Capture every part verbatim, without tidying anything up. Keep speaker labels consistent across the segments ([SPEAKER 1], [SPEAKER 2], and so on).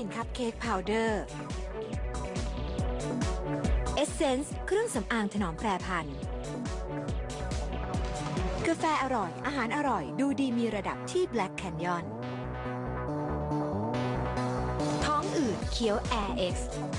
[SPEAKER 1] คัพเค้กพาวเดอร์เอสเซนส์เครื่องสำอางถนอมแปรพันธุ์กาแฟอร่อยอาหารอร่อยดูดีมีระดับที่ Black Canyon ท้องอืดเคี้ยว Air X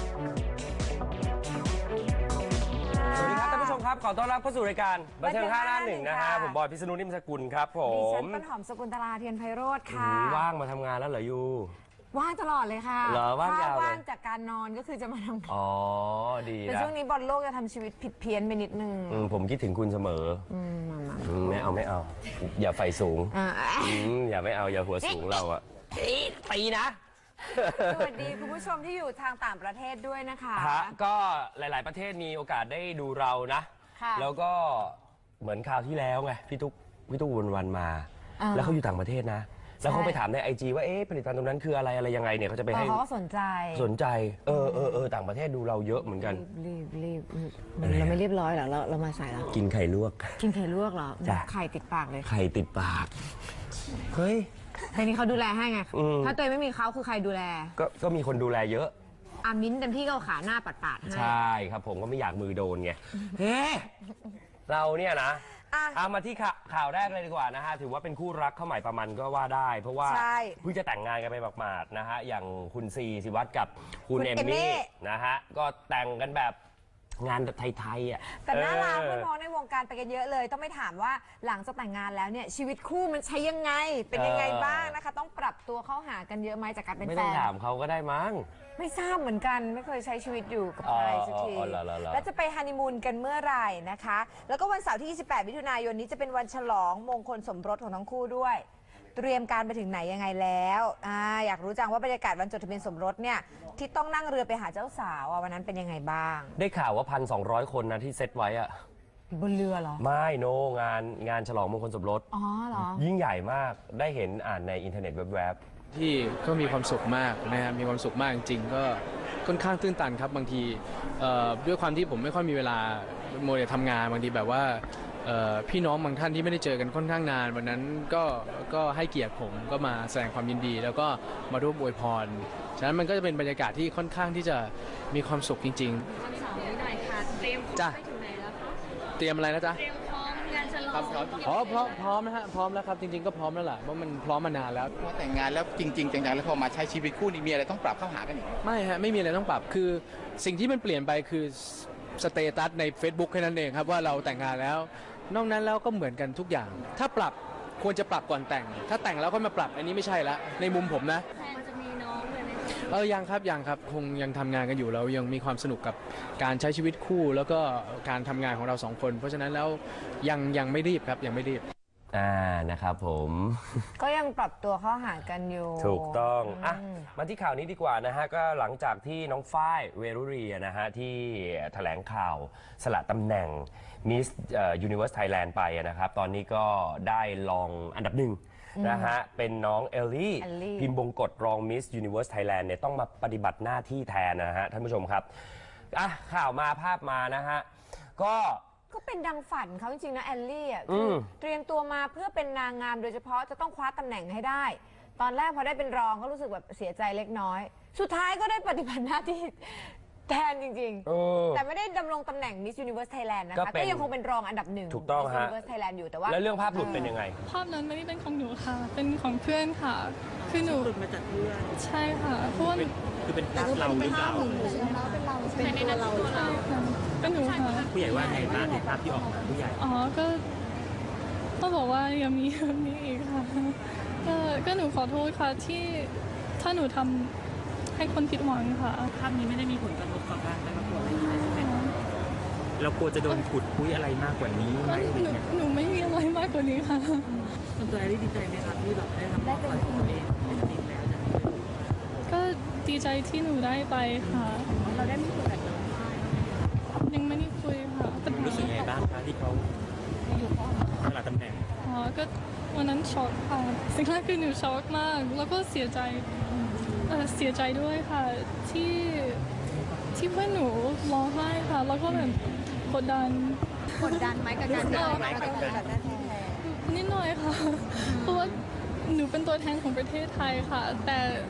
[SPEAKER 2] สวัสดีครับท่านผู้ชมครับขอต้อนรับเข้าสู่รายการบันเทิงห้าหน้าหนึ่งนะฮะผมบอยพิษณุนิ่มสกุลครับผ
[SPEAKER 3] ดิฉั
[SPEAKER 2] ม
[SPEAKER 3] นต้นหอมสกุลตลาเทียนไพโรธค่ะ
[SPEAKER 2] ว่างมาทำงานแล้วเหรอยู
[SPEAKER 3] ว่างตลอดเลยค่ะ
[SPEAKER 2] เหรอว่างยาวเลย
[SPEAKER 3] ถ้ว่างจากการนอนก็คือจะมาทำงาน
[SPEAKER 2] อ๋อดี
[SPEAKER 3] แต่
[SPEAKER 2] นะ
[SPEAKER 3] ช่วงนี้บอลโลกจะทำชีวิตผิดเพี้ยนไปนิดนึง
[SPEAKER 2] อืมผมคิดถึงคุณเสมอ
[SPEAKER 3] อืมมามา
[SPEAKER 2] อืมไม่เอาไม่เอา อย่าไฟสูง
[SPEAKER 3] อ่า
[SPEAKER 2] อืมอย่าไม่เอาอย่าหัวสูงเราอะตีนะ
[SPEAKER 3] สวัสดีคุณผู้ชมที่อยู่ทางต่างประเทศด้วยนะคะ
[SPEAKER 2] ฮะก็หลาย ๆ ประเทศมีโอกาสได้ดูเรานะ
[SPEAKER 3] ค่ะ
[SPEAKER 2] แล้วก็เหมือนคราวที่แล้วไงพี่ตุ๊กพี่ตุ๊กวันวันมา
[SPEAKER 3] อ่า
[SPEAKER 2] แล้วเขาอยู่ต่างประเทศนะ แล้วเขาไปถามในไอจีว่าเอ๊ะผลิตภัณฑ์ตรงนั้นคืออะไรอะไรยังไงเนี่ยเขาจะไป
[SPEAKER 3] เออ
[SPEAKER 2] ให้
[SPEAKER 3] เขาก็สนใจ
[SPEAKER 2] สนใจเออเออเออต่างประเทศดูเราเยอะเหมือนกัน
[SPEAKER 3] รีบรีบรีบเราไม่เรียบร้อยเหรอเราเรามาใส่แล้ว
[SPEAKER 2] กินไข่ลวก
[SPEAKER 3] กินไข่ลวกเหรอ
[SPEAKER 2] จ้ะ
[SPEAKER 3] ไข่ติดปากเลย
[SPEAKER 2] ไข่ติดปาก เฮ้ย
[SPEAKER 3] แต่นี้เขาดูแลให้ไง
[SPEAKER 2] อืม
[SPEAKER 3] ถ้าตัวเองไม่มีเขาคือใครดูแล
[SPEAKER 2] ก็ก็มีคนดูแลเยอะ
[SPEAKER 3] อามิ้นเต็มที่ก็เอาขาหน้าปัดปาดๆให้
[SPEAKER 2] ใช่ครับผมก็ไม่อยากมือโดนไง เฮ้เราเนี่ยนะ
[SPEAKER 3] อ่ะ
[SPEAKER 2] เอามาที่ข่าข่าวแรกเลยดีกว่านะฮะ ถือว่าเป็นคู่รักเข้าใหม่ประมันก็ว่าได้ เพราะว่า
[SPEAKER 3] ใช่
[SPEAKER 2] เพิ่งจะแต่งงานกันไปหมาดๆนะฮะ อย่างคุณซีสิวัตรกับคุณ
[SPEAKER 3] คุณ
[SPEAKER 2] เอม
[SPEAKER 3] เอมมี่
[SPEAKER 2] มี่นะฮะ ก็แต่งกันแบบงานแบบไทยๆอ่ะ
[SPEAKER 3] แต่น่ารัก
[SPEAKER 2] เออ
[SPEAKER 3] เพื่อนพ้องในวงการไปกันเยอะเลย ต้องไม่ถามว่าหลังจากแต่งงานแล้วเนี่ยชีวิตคู่มันใช้ยังไง เป็นยังไงบ้างนะคะ ต้องปรับตัวเข้าหากันเยอะไหมจากการเป็น
[SPEAKER 2] ไม่
[SPEAKER 3] แฟ
[SPEAKER 2] ต้อง
[SPEAKER 3] น
[SPEAKER 2] ถามเขาก็ได้มั้ง
[SPEAKER 3] ไม่ทราบเหมือนกันไม่เคยใช้ชีวิตอยู่กับใคร
[SPEAKER 2] อ๋อ
[SPEAKER 3] สักที
[SPEAKER 2] อ๋อเหรอเหรอเหรอ
[SPEAKER 3] แล้วจะไปฮันนีมูนกันเมื่อไหร่นะคะ แล้วก็วันเสาร์ที่ ยี่สิบแปด มิถุนายนนี้จะเป็นวันฉลองมงคลสมรสของทั้งคู่ด้วย เตรียมการไปถึงไหนยังไงแล้วอ่าอยากรู้จังว่าบรรยากาศวันจดทะเบียนสมรสเนี่ยที่ต้องนั่งเรือไปหาเจ้าสาวอ่ะวันนั้นเป็นยังไงบ้าง
[SPEAKER 2] ได้ข่าวว่าพันสองร้อยคนนะที่เซตไว้อะ
[SPEAKER 3] บนเรือเหรอ
[SPEAKER 2] ไม่โนงานงานฉลองมงคลสมรส
[SPEAKER 3] อ๋อเหรอ
[SPEAKER 2] ยิ่งใหญ่มากได้เห็นอ่านในอินเทอร์เน็ตแวบ
[SPEAKER 4] ที่ก็มีความสุขมากนะครับมีความสุขมากจริงๆก็ค่อนข้างตื้นตันครับบางทีเอ่อด้วยความที่ผมไม่ค่อยมีเวลาโมเดลทำงานบางทีแบบว่าเอ่อพี่น้องบางท่านที่ไม่ได้เจอกันค่อนข้างนานวันนั้นก็ก็ให้เกียรติผมก็มาแสดงความยินดี แล้วก็มาร่วมอวยพรฉะนั้นมันก็จะเป็นบรรยากาศที่ค่อนข้างที่จะมีความสุขจริง
[SPEAKER 5] วันเสาร์นี้หน่อยค่ะ เตรียมพร้อ
[SPEAKER 4] จ้ะ
[SPEAKER 5] มไปถึงไหนแล้วคะ
[SPEAKER 4] ๆ เตรียมอะไรนะจ๊ะ
[SPEAKER 5] เตรียมพร้อมงานฉลอง
[SPEAKER 4] ครับพร้อมอ๋อพร้อมพร้อมนะฮะพร้อมแล้วครับจริงๆก็พร้อมแล้วล่ะเพราะมันพร้อมมานานแล้ว
[SPEAKER 6] พอแต่งงานแล้วจริงๆจังๆแล้วพอมาใช้ชีวิตคู่นี่มีอะไรต้องปรับเข้าหากันอีกไหม
[SPEAKER 4] ไม่ฮะไม่มีอะไรต้องปรับคือสิ่งที่มันเปลี่ยนไปคือสเตตัสใน Facebook แค่นั้นเองครับว่าเราแต่งงานแล้ว นอกนั้นแล้วก็เหมือนกันทุกอย่าง ถ้าปรับควรจะปรับก่อนแต่ง ถ้าแต่งแล้วก็มาปรับอันนี้ไม่ใช่ละในมุมผมนะ
[SPEAKER 5] แฟนจะมีน้องเลยไหมคะ
[SPEAKER 4] เออยังครับยังครับคงยังทำงานกันอยู่เรายังมีความสนุกกับการใช้ชีวิตคู่ แล้วก็การทำงานของเราสองคน เพราะฉะนั้นแล้วยังยังไม่รีบครับยังไม่รีบ
[SPEAKER 2] ๆอ่านะครับผม
[SPEAKER 3] ก็ยังปรับตัวเข้าหากันอยู่
[SPEAKER 2] ถูกต้องอ่ะ
[SPEAKER 3] อืม
[SPEAKER 2] มาที่ข่าวนี้ดีกว่านะฮะ ก็หลังจากที่น้องฝ้ายเวรุรีนะฮะ ที่แถลงข่าวสละตำแหน่ง Miss Universe Thailand ไปนะครับ ตอนนี้ก็ได้รองอันดับหนึ่งนะฮะ เป็นน้องเอลลี่
[SPEAKER 3] เอลลี่
[SPEAKER 2] พิมพ์บงกฎรอง Miss Universe Thailand เนี่ยต้องมาปฏิบัติหน้าที่แทนนะฮะ ท่านผู้ชมครับอ่ะข่าวมาภาพมานะฮะ ก็
[SPEAKER 3] ก็เป็นดังฝันเขาจริงๆนะแอลลี่อ่ะ
[SPEAKER 2] อื
[SPEAKER 3] คือ
[SPEAKER 2] ม
[SPEAKER 3] เตรียมตัวมาเพื่อเป็นนางงามโดยเฉพาะจะต้องคว้าตำแหน่งให้ได้ ตอนแรกพอได้เป็นรองก็รู้สึกแบบเสียใจเล็กน้อย สุดท้ายก็ได้ปฏิบัติหน้าที่แทนจริง
[SPEAKER 2] เออ
[SPEAKER 3] ๆ แต่ไม่ได้ดำรงตำแหน่ง Miss Universe Thailand นะ
[SPEAKER 2] ก็
[SPEAKER 3] คะ
[SPEAKER 2] เป็น
[SPEAKER 3] ก็ยังคงเป็นรองอันดับหนึ่ง
[SPEAKER 2] ถูกต้อง
[SPEAKER 3] Miss
[SPEAKER 2] ฮะ
[SPEAKER 3] Universe Thailand อยู่แต่ว่า
[SPEAKER 2] แล้วเรื่องภาพหลุดเป็นยังไง
[SPEAKER 5] ภาพนั้นไม่ได้เป็นของหนูค่ะ เป็นของเพื่อนค่ะ คือหนู
[SPEAKER 7] หลุดมาจากเพื่อน
[SPEAKER 5] ใช่ค่ะ เพราะว่า
[SPEAKER 7] คือเป็นภาพเราหรือเปล่า
[SPEAKER 5] เป็นในนั้นตัวเราค่ะเป็นหนูค่ะ
[SPEAKER 7] ผู้ใหญ่ว่าไงบ้างในภาพที่ออกมาผู้ใหญ่
[SPEAKER 5] อ๋อ ก็ก็บอกว่าอย่ามีแบบนี้อีกค่ะ ก็ก็หนูขอโทษค่ะที่ถ้าหนูทำให้คนผิดหวังค่ะ
[SPEAKER 7] ภาพนี้ไม่ได้มีผลกระทบต่อการแต่งตัวอะไรใช่ไหมเรากลัวจะโดนขุดคุยอะไรมากกว่านี้ไหมอะไร
[SPEAKER 5] หนู
[SPEAKER 7] เงี้ย
[SPEAKER 5] หนูไม่มีอะไรมากกว่านี้ค่ะ
[SPEAKER 7] ส่วนตัวได้ดีใจไหมครับที่แบบได้ทำความฝันของตัวเองเป็นจริงแล้วจาก
[SPEAKER 5] ก็ดีใจที่หนูได้ไปค่ะ
[SPEAKER 7] เราได้มีคุยกับน้อง
[SPEAKER 5] ยังไม่ได้คุยค่ะแต่
[SPEAKER 7] รู้สึกไงบ้างคะที่เขาสละตำแหน่ง
[SPEAKER 5] อ๋อก็วันนั้นช็อกค่ะสิ่งแรกคือหนูช็อกมาก แล้วก็เสียใจเอ่อเสียใจด้วยค่ะที่ที่เพื่อนหนูร้องไห้ค่ะ แล้วก็แบบกดดัน
[SPEAKER 3] กดดันไหมกับการที่เรามาปฏิบัติหน้าที่แทน
[SPEAKER 5] นิดหน่อยค่ะ เพราะว่าหนูเป็นตัวแทนของประเทศไทยค่ะ แต่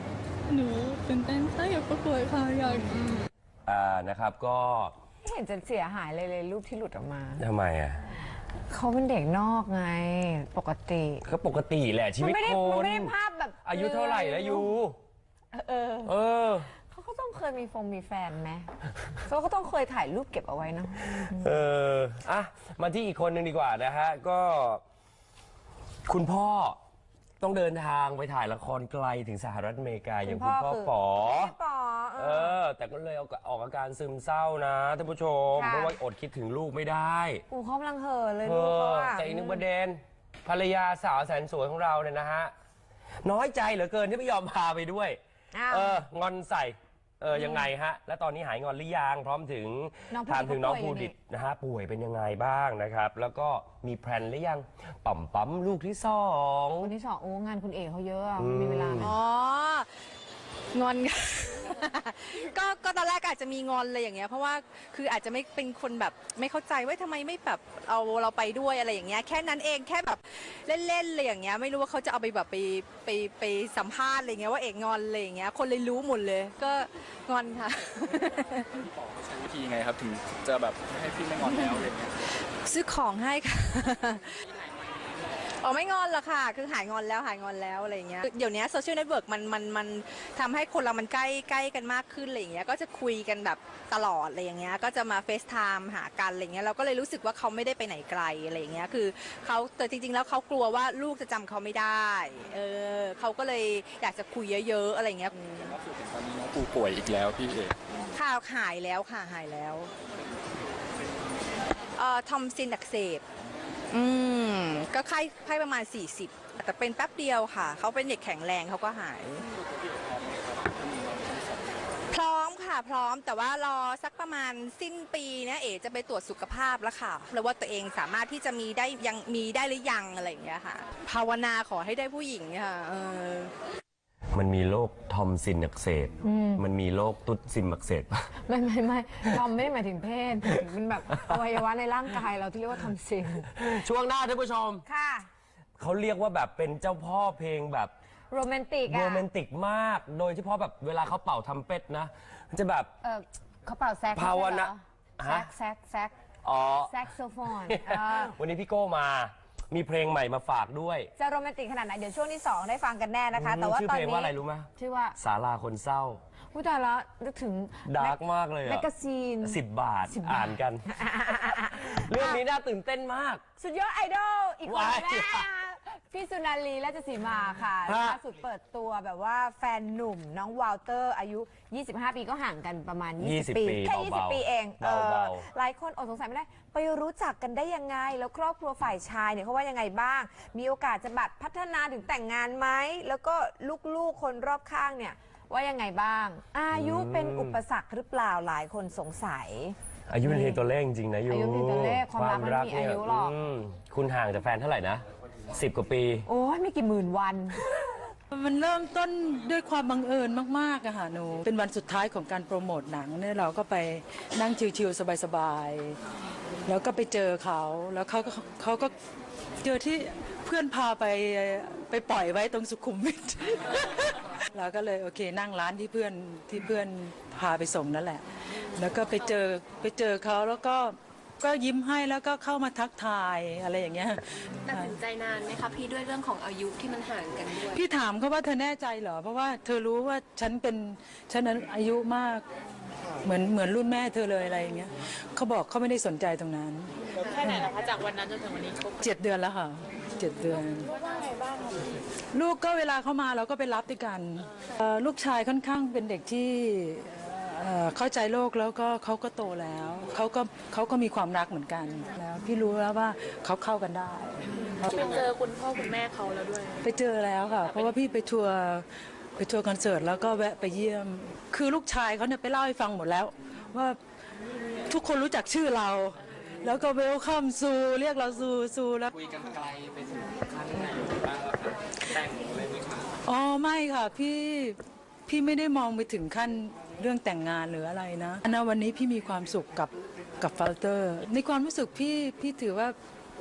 [SPEAKER 5] หนูตื่นเต้นค่ะอยากประกวดค่ะอยาก
[SPEAKER 2] อ่านะครับก็
[SPEAKER 3] ไม่เห็นจะเสียหายเลยเลยรูปที่หลุดออกมา
[SPEAKER 2] ทำไมอ่ะ
[SPEAKER 3] เขาเป็นเด็กนอกไงปกติ
[SPEAKER 2] ก็ปกติแหละชี
[SPEAKER 3] มัน
[SPEAKER 2] วิต
[SPEAKER 3] ไม่ได้
[SPEAKER 2] ค
[SPEAKER 3] มัน
[SPEAKER 2] น
[SPEAKER 3] ไม่ได้ภาพแบบ
[SPEAKER 2] อายุเท่าไหร่แล้วยู
[SPEAKER 3] เออ
[SPEAKER 2] เออ
[SPEAKER 3] เขาก็ต้องเคยมีฟงมีแฟนไหมเขาก็ต้องเคยถ่ายรูปเก็บเอาไว้เนาะ
[SPEAKER 2] เอออ่ะมาที่อีกคนหนึ่งดีกว่านะฮะก็ คุณพ่อต้องเดินทางไปถ่ายละครไกลถึงสหรัฐอเมริกาอย่างคุณพ่อป๋อ
[SPEAKER 3] พี่ป๋อเอ
[SPEAKER 2] เอ
[SPEAKER 3] อ
[SPEAKER 2] อ แต่ก็เลยเอาออกอาการซึมเศร้านะท่านผู้ชม
[SPEAKER 3] ค่ะ
[SPEAKER 2] เพราะว่าอดคิดถึงลูกไม่ได้
[SPEAKER 3] กูเขากำลังเห่อเลย
[SPEAKER 2] เอ
[SPEAKER 3] ลูกเขา
[SPEAKER 2] อ
[SPEAKER 3] อะ
[SPEAKER 2] แต่อีกหนึ่งประเด็นภรรยาสาวแสนสวยของเราเนี่ยนะฮะ น้อยใจเหลือเกินที่ไม่ยอมพาไปด้วย
[SPEAKER 3] อ้าว
[SPEAKER 2] เอองอนใส่ เออยังไงฮะ และตอนนี้หายงอนหรือยังพร้อมถึง
[SPEAKER 3] น้องภูดิต
[SPEAKER 2] ถามถึงน้อง
[SPEAKER 3] เขาป่
[SPEAKER 2] ภู
[SPEAKER 3] วยอยู่
[SPEAKER 2] ดิต
[SPEAKER 3] นี่
[SPEAKER 2] นะฮะป่วยเป็นยังไงบ้างนะครับ แล้วก็มีแพลนหรือยังปั๊มปั๊มลูกที่สอง
[SPEAKER 3] คนที่สองโอ้งานคุณเอกเขาเยอะอะ
[SPEAKER 2] อืม
[SPEAKER 3] มีเวลาไหม
[SPEAKER 8] อ๋องอน ก็ก็ตอนแรกอาจจะมีงอนอะไรอย่างเงี้ยเพราะว่าคืออาจจะไม่เป็นคนแบบไม่เข้าใจว่าทำไมไม่แบบเอาเราไปด้วยอะไรอย่างเงี้ยแค่นั้นเองแค่แบบเล่นๆเลยอย่างเงี้ยไม่รู้ว่าเขาจะเอาไปแบบไปไปไปสัมภาษณ์อะไรเงี้ยว่าเอกงอนอะไรอย่างเงี้ยคนเลยรู้หมดเลย ก็งอนค่ะ
[SPEAKER 4] ใช้วิธีไงครับถึงจะแบบไม่ให้พี่ไม่งอนแล้วอะไรเงี้ย
[SPEAKER 8] ซื้อของให้ค่ะ อ๋อไม่งอนหรอกค่ะ คือหายงอนแล้วหายงอนแล้วอะไรอย่างเงี้ย เดี๋ยวนี้โซเชียลเน็ตเวิร์กมันมันมันทำให้คนเรามันใกล้ใกล้กันมากขึ้นอะไรอย่างเงี้ย ก็จะคุยกันแบบตลอดอะไรอย่างเงี้ย ก็จะมาเฟซไทม์หากันอะไรเงี้ย เราก็เลยรู้สึกว่าเขาไม่ได้ไปไหนไกลอะไรอย่างเงี้ย คือเขาแต่จริงๆแล้วเขากลัวว่าลูกจะจำเขาไม่ได้ เออเขาก็เลยอยากจะคุยเยอะๆอะไรเงี้ย
[SPEAKER 4] ล่าสุดเห็นตอนนี้น้องปูป่วยอีกแล้วพี่เอก
[SPEAKER 8] ข่าวหายแล้วค่ะหายแล้วเอ่อทอมซินอักเสบ อืมก็ไข้ไข้ประมาณ สี่สิบ แต่เป็นแป๊บเดียวค่ะ เขาเป็นเด็กแข็งแรงเขาก็หาย พร้อมค่ะพร้อมแต่ว่ารอสักประมาณสิ้นปีเนี้ยเอ๋จะไปตรวจสุขภาพแล้วค่ะแล้วว่าตัวเองสามารถที่จะมีได้ยังมีได้หรือยังอะไรอย่างเงี้ยค่ะ ภาวนาขอให้ได้ผู้หญิงค่ะเออ
[SPEAKER 2] มันมีโรคทอมซินอักเสบมันมีโรคตุ๊ดซิมอักเสบ
[SPEAKER 3] ไม่ไม่ไม่ทอมไม่ได้หมายถึงเพศมันแบบอวัยวะในร่างกายเราที่เรียกว่าทอมซิน
[SPEAKER 2] ช่วงหน้าท่านผู้ชม
[SPEAKER 3] ค่ะ
[SPEAKER 2] เขาเรียกว่าแบบเป็นเจ้าพ่อเพลงแบบ
[SPEAKER 3] โรแมนติก
[SPEAKER 2] โร
[SPEAKER 3] อะ
[SPEAKER 2] แมนติกมาก โดยเฉพาะแบบเวลาเขาเป่าทำเป็ดนะมันจะแบบ
[SPEAKER 3] เออเขาเป่าแซก
[SPEAKER 2] ภาวนา
[SPEAKER 3] แซ
[SPEAKER 2] ฮะ
[SPEAKER 3] กแซกแซก
[SPEAKER 2] อ๋อ
[SPEAKER 3] แซกโซโฟนเออ
[SPEAKER 2] วันนี้พี่โก้มามีเพลงใหม่มาฝากด้วย
[SPEAKER 3] จะโรแมนติกขนาดไหนเดี๋ยวช่วงที่สองได้ฟังกันแน่นะคะ แต่ว่า
[SPEAKER 2] ชื่อ
[SPEAKER 3] ตอน
[SPEAKER 2] เพลง
[SPEAKER 3] นี้
[SPEAKER 2] ว่าอะไรรู้ไหม
[SPEAKER 3] ชื่อว่า
[SPEAKER 2] ศาลาคนเศร้า
[SPEAKER 3] ผู้ตายแล้วนึกถึง
[SPEAKER 2] ดาร์กมากเลย
[SPEAKER 3] แม
[SPEAKER 2] อะ
[SPEAKER 3] กกาซีน
[SPEAKER 2] สิบบาท
[SPEAKER 3] สิบบาท
[SPEAKER 2] อ่านกัน เรื่องนี้น่าตื่นเต้นมาก
[SPEAKER 3] สุดยอดไอดอลอีกคน
[SPEAKER 2] ว้าย
[SPEAKER 3] แม่พี่สุนารีราชสีมาค่ะ
[SPEAKER 2] ฮะ
[SPEAKER 3] ล่าสุดเปิดตัวแบบว่าแฟนหนุ่มน้องวอลเตอร์อายุ ยี่สิบห้า ปีก็ห่างกันประมาณ ยี่สิบ ปี แค่ ยี่สิบ ปีเองเออ
[SPEAKER 2] เบา
[SPEAKER 3] หลายคนอดสงสัยไม่ได้ ไปรู้จักกันได้ยังไง แล้วครอบครัวฝ่ายชายเนี่ยเขาว่ายังไงบ้าง มีโอกาสจะบัดพัฒนาถึงแต่งงานไหมแล้วก็ลูกๆคนรอบข้างเนี่ยว่ายังไงบ้าง อายุเป็นอุปสรรคหรือเปล่าหลายคนสงสัย
[SPEAKER 2] อายุเป็นเพียงตัวเลขจริงๆนะยู
[SPEAKER 3] อายุเป็นตัวเลขความรักมันไม่มีอายุหรอก
[SPEAKER 2] มคุณห่างจากแฟนเท่าไหร่นะสิบกว่าปี
[SPEAKER 3] โอ้ยไม่กี่หมื่นวัน
[SPEAKER 9] มันเริ่มต้นด้วยความบังเอิญมากๆอะค่ะหนูเป็นวันสุดท้ายของการโปรโมทหนังเนี่ยเราก็ไปนั่งชิวๆสบายๆแล้วก็ไปเจอเขาแล้วเขาก็เขาก็เจอที่เพื่อนพาไปไปปล่อยไว้ตรงสุขุมวิท เราก็เลยโอเคนั่งร้านที่เพื่อนที่เพื่อนพาไปส่งนั่นแหละ แล้วก็ไปเจอไปเจอเขาแล้วก็ก็ยิ้มให้แล้วก็เข้ามาทักทายอะไรอย่างเงี้ย
[SPEAKER 10] ตัดสินใจนานไหมคะพี่ด้วยเรื่องของอายุที่มันห่างกันด้วย
[SPEAKER 9] พี่ถามเขาว่าเธอแน่ใจเหรอ เพราะว่าเธอรู้ว่าฉันเป็นฉันอายุมากเหมือนเหมือนรุ่นแม่เธอเลยอะไรอย่างเงี้ยเขาบอกเขาไม่ได้สนใจตรงนั้น
[SPEAKER 10] แค่ไหนล่ะคะจากวันนั้นจนถึงวันนี้ครบ
[SPEAKER 9] เจ็ดเดือนแล้วค่ะเจ็ดเดือนลูกก็เวลาเขามาเราก็ไปรับด้วยกันเอ่อลูกชายค่อนข้างเป็นเด็กที่เอ่อเข้าใจโลกแล้วก็เขาก็โตแล้วเขาก็เขาก็มีความรักเหมือนกันแล้วพี่รู้แล้วว่าเขาเข้ากันได้
[SPEAKER 10] ไปเจอคุณพ่อคุณแม่เขาแล้วด้วย
[SPEAKER 9] ไปเจอแล้วค่ะ เพราะว่าพี่ไปทัวร์ไปทัวร์คอนเสิร์ตแล้วก็แวะไปเยี่ยม คือลูกชายเขาเนี่ยไปเล่าให้ฟังหมดแล้ว ว่าทุกคนรู้จักชื่อเรา แล้วก็เวลคัมซูเรียกเราซูซูแล้วคุยกันไกลไปถึงขั้นไหนบ้างครับแต่งเลยไหมคะอ๋อไม่ค่ะพี่พี่ไม่ได้มองไปถึงขั้นเรื่องแต่งงานหรืออะไรนะณวันนี้พี่มีความสุขกับกับฟัลเตอร์ ในความรู้สึกพี่พี่ถือว่า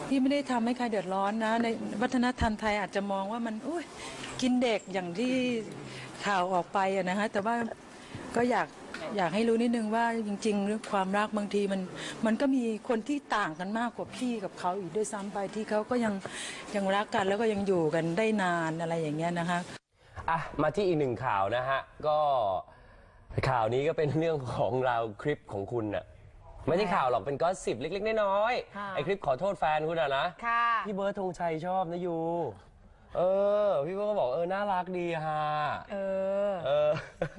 [SPEAKER 9] พี่ไม่ได้ทำให้ใครเดือดร้อนนะในวัฒนธรรมไทยอาจจะมองว่ามันอุ้ยกินเด็กอย่างที่ข่าวออกไปอะนะฮะแต่ว่าก็อยากอยากให้รู้นิดนึงว่าจริงๆเรื่องความรักบางทีมันมันก็มีคนที่ต่างกันมากกว่าพี่กับเขาอีกด้วยซ้ำไปที่เขาก็ยังยังรักกันแล้วก็ยังอยู่กันได้นานอะไรอย่างเงี้ยนะคะ
[SPEAKER 2] อ่ะมาที่อีกหนึ่งข่าวนะฮะก็ข่าวนี้ก็เป็นเรื่องของเราคลิปของคุณน่ะไม่ใช่ข่าวหรอกเป็นก็สิบเล็กๆน้อยๆไอคลิปขอโทษแฟนคุณอะนะพี่เบิร์ดธงชัยชอบนะยูเออพี่เบิร์ดก็บอกเออน่ารักดีฮะเออเออ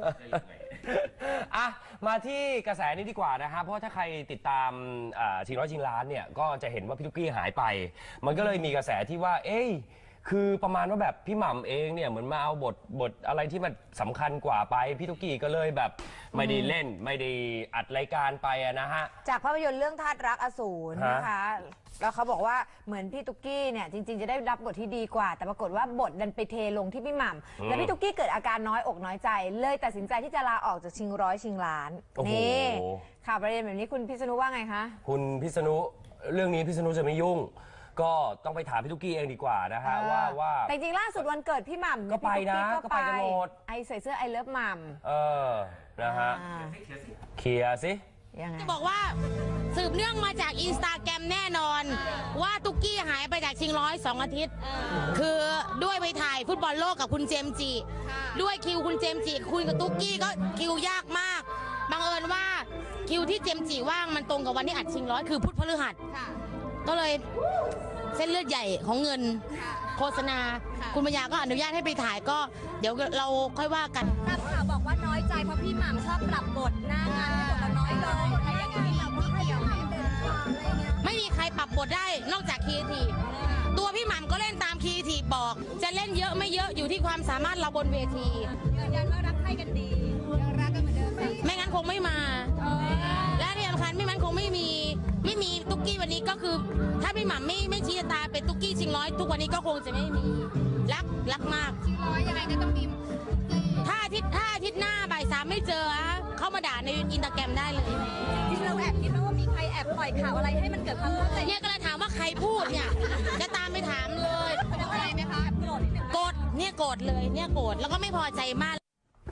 [SPEAKER 2] อ่ะมาที่กระแสนี้ดีกว่านะฮะเพราะถ้าใครติดตามชิงร้อยชิงล้านเนี่ยก็จะเห็นว่าพี่ตุ๊กกี้หายไป มันก็เลยมีกระแสที่ว่าเอ้ยคือประมาณว่าแบบพี่หม่ำเองเนี่ยเหมือนมาเอาบทบทอะไรที่มันสำคัญกว่าไปพี่ตุ๊กกี้ก็เลยแบบไม่ได้เล่นไม่ได้อัดรายการไปนะฮะ
[SPEAKER 3] จากภาพยนตร์เรื่องธาตุรักอสูรนะคะแล้วเขาบอกว่าเหมือนพี่ตุ๊กกี้เนี่ยจริงๆจะได้รับบทที่ดีกว่าแต่ปรากฏว่าบทดันไปเทลงที่พี่หม่ำแล้วพี่ตุ๊กกี้เกิดอาการน้อยอกน้อยใจเลยตัดสินใจที่จะลาออกจากชิงร้อยชิงล้านนี่ข่าวประเด็นแบบนี้คุณพิษณุว่าไงคะ
[SPEAKER 2] คุณพิษณุเรื่องนี้พิษณุจะไม่ยุ่งก็ต้องไปถามพี่ตุ๊กกี้เองดีกว่านะฮะว่าว่า
[SPEAKER 3] แต่จริงล่าสุดวันเกิดพี่หม่ำ
[SPEAKER 2] ก็ไปนะก็ไปกันหมด
[SPEAKER 3] ไอใส่เสื้อไอเลิฟหม่ำ
[SPEAKER 2] เออนะฮะเคลียร์สิ
[SPEAKER 11] จะบอกว่าสืบเนื่องมาจากอินสตาแกรมแน่นอนว่าตุ๊กกี้หายไปจากชิงร้อยสองอาทิตย์คือด้วยไปถ่ายฟุตบอลโลกกับคุณเจมส์จิด้วยคิวคุณเจมส์จิคุยกับตุ๊กกี้ก็คิวยากมากบังเอิญว่าคิวที่เจมส์จิว่างมันตรงกับวันที่อัดชิงร้อยคือพุธพฤหัสก็เลยเส้นเลือดใหญ่ของเงินโฆษณาคุณปัญญาก็อนุญาตให้ไปถ่ายก็เดี๋ยวเราค่อยว่ากัน
[SPEAKER 10] ตามข่าวบอกว่าน้อยใจเพราะพี่หม่ำชอบปรับบทหน้างานให้บทเราน้อยลงอะไรอย่างเงี้ยเราไม่เกี่ยว
[SPEAKER 11] ไม่มีใครปรับบทได้นอกจากครีเอทีฟตัวพี่หม่ำก็เล่นตามครีเอทีฟบอกจะเล่นเยอะไม่เยอะอยู่ที่ความสามารถเราบนเวที
[SPEAKER 10] ยืนยันว่ารักใครกันดียังรักกันเหมือนเดิม
[SPEAKER 11] ไม่งั้นคงไม่มาและที่สำคัญไม่งั้นคงไม่มีไม่มีตุ๊กกี้วันนี้ก็คือถ้าพี่หม่ำไม่ไม่ชี้ตาเป็นตุ๊กกี้ชิงร้อยทุกวันนี้ก็คงจะไม่มีรักรักมาก
[SPEAKER 10] ชิงร้อยยังไงก็ต้องมี
[SPEAKER 11] ถ้าอาทิตย์ถ้าอาทิตย์หน้าบ่ายสามไม่เจอเข้ามาด่าในอินสตาแกรมได้เลย
[SPEAKER 10] จริงเราแอบคิดว่ามีใครแอบปล่อยข่าวอะไรให้มันเกิดความเข้าใจ
[SPEAKER 11] เนี่ยก็เลยถามว่าใครพูดเนี่ยจะตามไปถามเลย
[SPEAKER 10] อะไรไหมคะโกรธนิดนึง
[SPEAKER 11] โกรธเนี่ยโกรธเลยเนี่ยโกรธแล้วก็ไม่พอใจมาก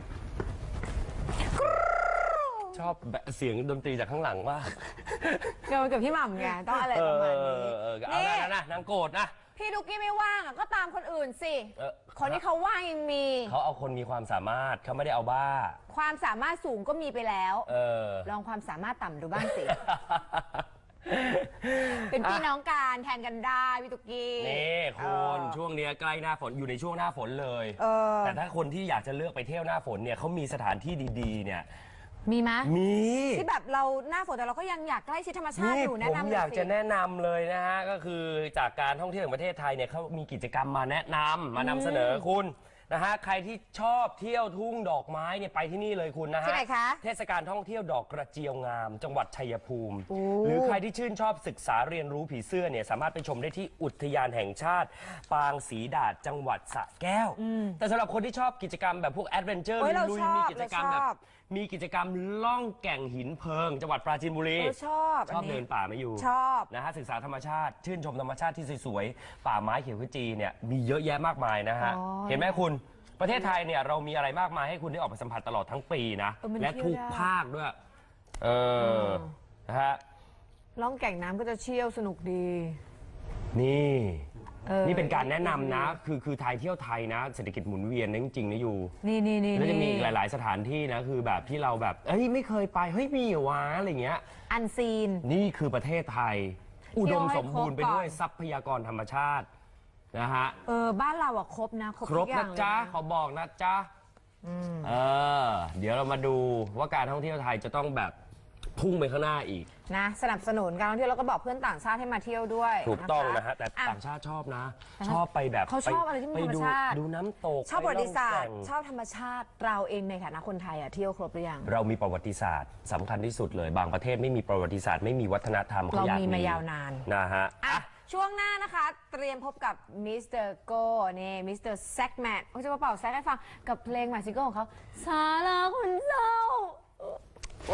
[SPEAKER 2] ชอบเสียงดนตรีจากข้างหลังว่า
[SPEAKER 3] เกี่ยวกับพี่หม่ำไงต้องอะไรประมาณนี้
[SPEAKER 2] นี่นะนางโกรธนะ
[SPEAKER 3] พี่ตุ๊กกี้ไม่ว่างก็ตามคนอื่นสิคนที่เขาว่างยังมี
[SPEAKER 2] เขาเอาคนมีความสามารถเขาไม่ได้เอาบ้า
[SPEAKER 3] ความสามารถสูงก็มีไปแล้วลองความสามารถต่ำดูบ้างสิเป็นพี่น้องกันแทนกันได้พี่ตุ๊กกี้
[SPEAKER 2] นี่คุณช่วงนี้ใกล้หน้าฝนอยู่ในช่วงหน้าฝนเลยแต่ถ้าคนที่อยากจะเลือกไปเที่ยวหน้าฝนเนี่ยเขามีสถานที่ดีๆเนี่ย
[SPEAKER 3] มีไหม
[SPEAKER 2] มี
[SPEAKER 3] ที่แบบเราหน้าฝนแต่เราก็ยังอยากใกล้ชิดธรรมชาติอยู่แนะนำ
[SPEAKER 2] ผมอยากจะแนะนำเลยนะฮะก็คือจากการท่องเที่ยวแห่งประเทศไทยเนี่ยเขามีกิจกรรมมาแนะนำมานำเสนอคุณนะฮะใครที่ชอบเที่ยวทุ่งดอกไม้เนี่ยไปที่นี่เลยคุณนะฮะ
[SPEAKER 3] ที่ไหนคะ
[SPEAKER 2] เทศกาลท่องเที่ยวดอกกระเจียวงามจังหวัดชัยภูมิหรือใครที่ชื่นชอบศึกษาเรียนรู้ผีเสื้อเนี่ยสามารถไปชมได้ที่อุทยานแห่งชาติปางศรีดาษจังหวัดสระแก้วแต่สำหรับคนที่ชอบกิจกรรมแบบพวกแอดเวนเจอร์ลุยมีกิจกรรมแบบมีกิจกรรมล่องแก่งหินเพลิงจังหวัดปราจีนบุรี
[SPEAKER 3] ชอบ
[SPEAKER 2] ชอบเดินป่าไม่อยู่
[SPEAKER 3] ชอบ
[SPEAKER 2] นะฮะศึกษาธรรมชาติชื่นชมธรรมชาติที่สวยๆป่าไม้เขียวขจีเนี่ยมีเยอะแยะมากมายนะฮะเห็นไหมคุณประเทศไทยเนี่ยเรามีอะไรมากมายให้คุณได้ออกไปสัมผัสตลอดทั้งปีนะและทุกภาคด้วยเออนะฮะ
[SPEAKER 3] ล่องแก่งน้ำก็จะเชี่ยวสนุกดี
[SPEAKER 2] นี่นี่เป็นการแนะนำนะคือคือไทยเที่ยวไทยนะเศรษฐกิจหมุนเวียนจริงๆนะอยู่
[SPEAKER 3] นี่นี่นี่
[SPEAKER 2] แล้วจะมีหลายๆสถานที่นะคือแบบที่เราแบบเฮ้ยไม่เคยไปเฮ้ยมีเหรอวะอะไรเงี้ย
[SPEAKER 3] อันซีน
[SPEAKER 2] นี่คือประเทศไทยอุดมสมบูรณ์ไปด้วยทรัพยากรธรรมชาตินะฮะ
[SPEAKER 3] เออบ้านเราอะครบนะ
[SPEAKER 2] ครบครบนะจ๊ะเขาบอกนะจ๊ะเออเดี๋ยวเรามาดูว่าการท่องเที่ยวไทยจะต้องแบบพุ่งไปข้างหน้าอีก
[SPEAKER 3] นะสนับสนุนการท่องเที่ยวแล้วก็บอกเพื่อนต่างชาติให้มาเที่ยวด้วย
[SPEAKER 2] ถูกต้องนะฮะแต่ต่างชาติชอบนะชอบไปแบบ
[SPEAKER 3] เขาชอบอะไรที่มีธรรมชาติ
[SPEAKER 2] ดูน้ำตก
[SPEAKER 3] ชอบประวัติศาสตร์ชอบธรรมชาติเราเองในฐานะคนไทยอะเที่ยวครบหรือยัง
[SPEAKER 2] เรามีประวัติศาสตร์สำคัญที่สุดเลยบางประเทศไม่มีประวัติศาสตร์ไม่มีวัฒนธรรม
[SPEAKER 3] เรามีมายาวนาน
[SPEAKER 2] นะฮะ
[SPEAKER 3] ช่วงหน้านะคะเตรียมพบกับมิสเตอร์โก้นี่มิสเตอร์แซกแมนเขาจะมาเป่าแซกให้ฟังกับเพลงใหม่ซิงเกิลของเขาสาราคนเศร้าว้าย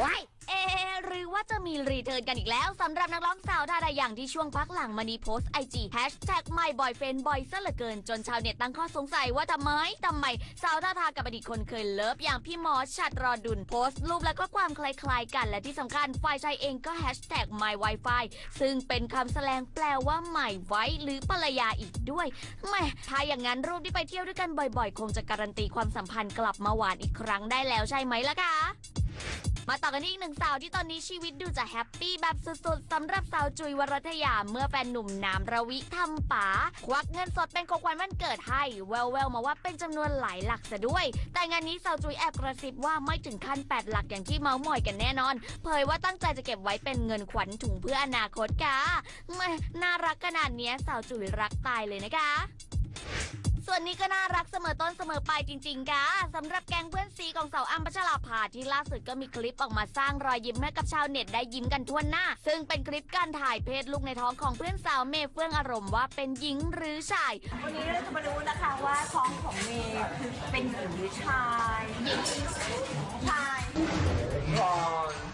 [SPEAKER 10] เอะหรือว่าจะมีรีเทิร์นกันอีกแล้วสำหรับนักร้องสาวดาราอย่างที่ช่วงพักหลังมานีโพสต์ไอจีแฮชแท็กไม่บอยเฟนบ่อยซะเหลือเกินจนชาวเน็ตตั้งข้อสงสัยว่าทำไมทำไมสาวท่าทากับอดีตคนเคยเลิฟอย่างพี่หมอชัดรอดุลโพสต์รูปและก็ความคล้ายๆกันและที่สำคัญฝ่ายชายเองก็แฮชแท็ก my wifi ซึ่งเป็นคำแสดงแปลว่าใหม่ไว้หรือภรรยาอีกด้วยแหม่ถ้าอย่างนั้นรูปที่ไปเที่ยวด้วยกันบ่อยๆคงจะการันตีความสัมพันธ์กลับมาหวานอีกครั้งได้แล้วใช่ไหมล่ะคะมาต่อกันที่อีกหนึ่งสาวที่ตอนนี้ชีวิตดูจะแฮปปี้แบบสุดๆสำหรับสาวจุยวรัตยาเมื่อแฟนหนุ่มน้ำระวิทำป๋าควักเงินสดเป็นของขวัญวันเกิดให้แววๆมาว่าเป็นจำนวนหลายหลักซะด้วยแต่งานนี้สาวจุยแอบกระซิบว่าไม่ถึงขั้นแปดหลักอย่างที่เมาส์มอยกันแน่นอนเผยว่าตั้งใจจะเก็บไว้เป็นเงินขวัญถุงเพื่ออนาคตค่ะแม่น่ารักขนาดนี้สาวจุยรักตายเลยนะคะส่วนนี้ก็น่ารักเสมอต้นเสมอปลายจริงๆค่ะสำหรับแก๊งเพื่อนซีของสาวอ้ำพัชราภาที่ล่าสุดก็มีคลิปออกมาสร้างรอยยิ้มให้กับชาวเน็ตได้ยิ้มกันทั่วหน้าซึ่งเป็นคลิปการถ่ายเพศลูกในท้องของเพื่อนสาวเมย์เฟื่องอารมณ์ว่าเป็นหญิงหรือชายวันนี้เราจะมาดูนะคะว่าท้องของเมย์คือเป็นหญิงหรือชายหญิงชาย